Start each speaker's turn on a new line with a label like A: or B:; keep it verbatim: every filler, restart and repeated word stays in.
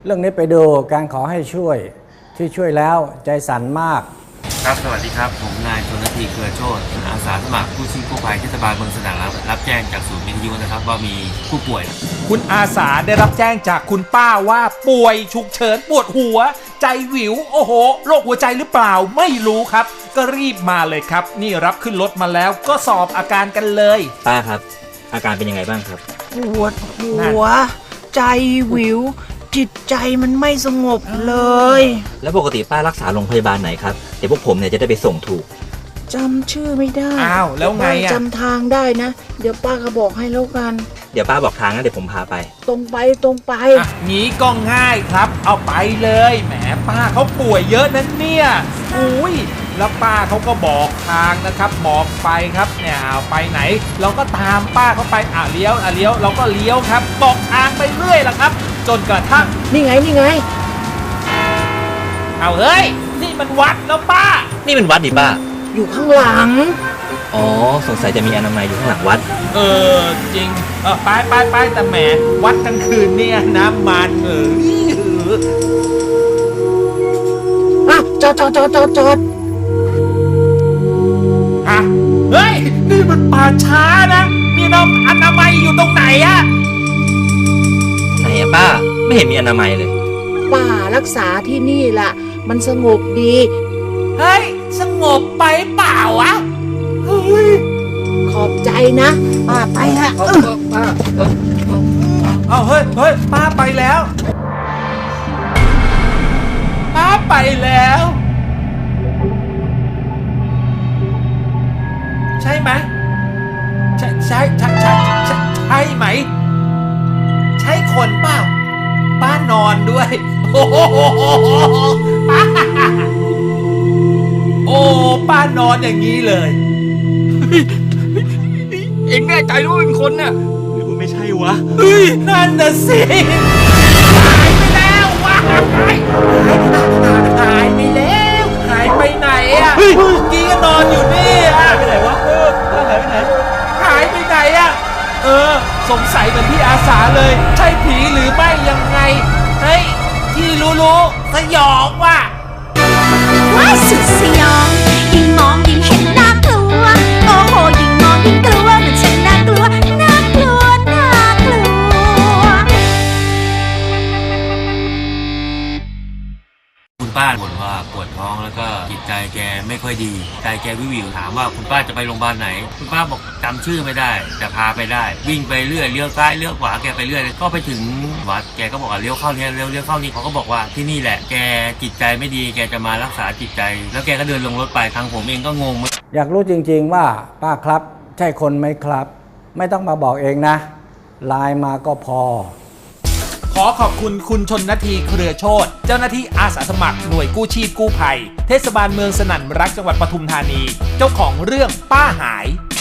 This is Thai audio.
A: เรื่องนี้ไปดูการขอให้ช่วยที่ช่วยแล้วใจสั่นมาก
B: ครับสวัสดีครับผมนายชนนาทีเครือโชติอาสาสมัครกู้ชีพกู้ภัยเทศบาลเมืองสนามรับรับแจ้งจากศูนย์วิทยุนะครับว่ามีผู้ป่วย
C: คุณอาสาได้รับแจ้งจากคุณป้าว่าป่วยฉุกเฉินปวดหัวใจหวิวโอ้โหโรคหัวใจหรือเปล่าไม่รู้ครับก็รีบมาเลยครับนี่รับขึ้นรถมาแล้วก็สอบอาการกันเลย
D: ป้าครับอาการเป็นยังไงบ้างครับ
E: ปวดหัวใจหวิวจิตใจมันไม่สงบเลย
D: แล้วปกติป้ารักษาโรงพยาบาลไหนครับเดี๋ยวพวกผมเนี่ยจะได้ไปส่งถูก
E: จำชื่อไม่ได้
C: อ้าวแล้วไงอ่ะ
E: จำทางได้นะเดี๋ยวป้าก็บอกให้แล้วกัน
D: เดี๋ยวป้าบอกทางนะเดี๋ยวผมพาไป
E: ตรงไปตรงไป
C: อ่ะงี้ก็ง่ายครับเอาไปเลยแหมป้าเขาป่วยเยอะนั้นเนี่ยอุ้ยแล้วป้าเขาก็บอกทางนะครับบอกไปครับเนี่ยเอาไปไหนเราก็ตามป้าเขาไปอ่ะเลี้ยวอ่ะเลี้ยวเราก็เลี้ยวครับบอกทางไปเรื่อยล่ะครับจนกระทั่ง
E: นี่ไงนี่ไง
C: เอาเฮ้ยนี่มันวัดแล้วป้า
D: นี่เป็นวัดดิป้า
E: อยู่ข้างหลัง
D: อ๋อสงสัยจะมีอนามัยอยู่ข้างหลังวัด
C: เออจริงเออไปไปไปแต่แหมวัดกลางคืนเนี่ยน้ำมันเออ
E: อ่ะจอดจอดจอดจอดจอด
C: ฮะเฮ้ยนี่มันป่าช้านะมีน้ำอนามัยอยู่ตรงไหนอะ
D: ไหนอะป้าไม่เห็นมีอนามัยเลย
E: ป้ารักษาที่นี่ล่ะมันสงบดี
C: เฮ้ยสงบไปเปล่าวะเฮ้ย
E: ขอบใจนะป้าไปฮะป้า
C: เอาเฮ้ยเฮ้ยป้าไปแล้วป้าไปแล้วใช่ไหมใช่ใช่ใช่ใช่ใช่ใช่ไหมใช่คนเปล่าป้านอนด้วยโอ้โหป้าโอ้ป้านอนอย่างนี้เลย
D: เอ็งแน่ใจว่าเป็นคนน่ะหรือว่าไม่ใช่วะ
C: เฮ้ยนั่นน่ะสิหายไปแล้ววะหายหายไปแล้วหายไปไหนอ่ะเมื่อกี้ก็นอนอยู่นี่อ่ะ
D: ไปไหนวะเออหายไปไหน
C: หายไปไหนอ่ะเออสงสัยเหมือนพี่อาสาเลยใช่ผีหรือไม่ยังไงเฮ้ยที่รู้ๆสยองว่ะ
F: ว้ายสุดสยองยิ่งมองยิ่งเห็นน่ากลัวโอ้โหยิ่งมองยิ่งกลัวมันช่างน่ากลัวน่ากลัวน่ากลัว
B: คุณป้าบ่นว่าปวดท้องแล้วก็จิตใจแกไม่ค่อยดีใจแกวิววิวถามว่าคุณป้าจะไปโรงพยาบาลไหนคุณป้าบอกจำชื่อไม่ได้แต่พาไปได้วิ่งไปเรื่อยเลี้ยวซ้ายเลี้ยวขวาแกไปเรื่อยก็ไปถึงวัดแกก็บอกว่าเลี้ยวเข้าเนี่ยเลี้ยวเลี้ยวเข้านี่เขาก็บอกว่าที่นี่แหละแกจิตใจไม่ดีแกจะมารักษาจิตใจแล้วแกก็เดินลงรถไปทางผมเองก็งง
A: อยากรู้จริงๆว่าป้าครับใช่คนไหมครับไม่ต้องมาบอกเองนะไลน์มาก็พอ
C: ขอขอบคุณคุณชนนาทีเครือโชติเจ้าหน้าที่อาสาสมัครหน่วยกู้ชีพกู้ภัยเทศบาลเมืองสนั่นรักจังหวัดปทุมธานีเจ้าของเรื่องป้าหาย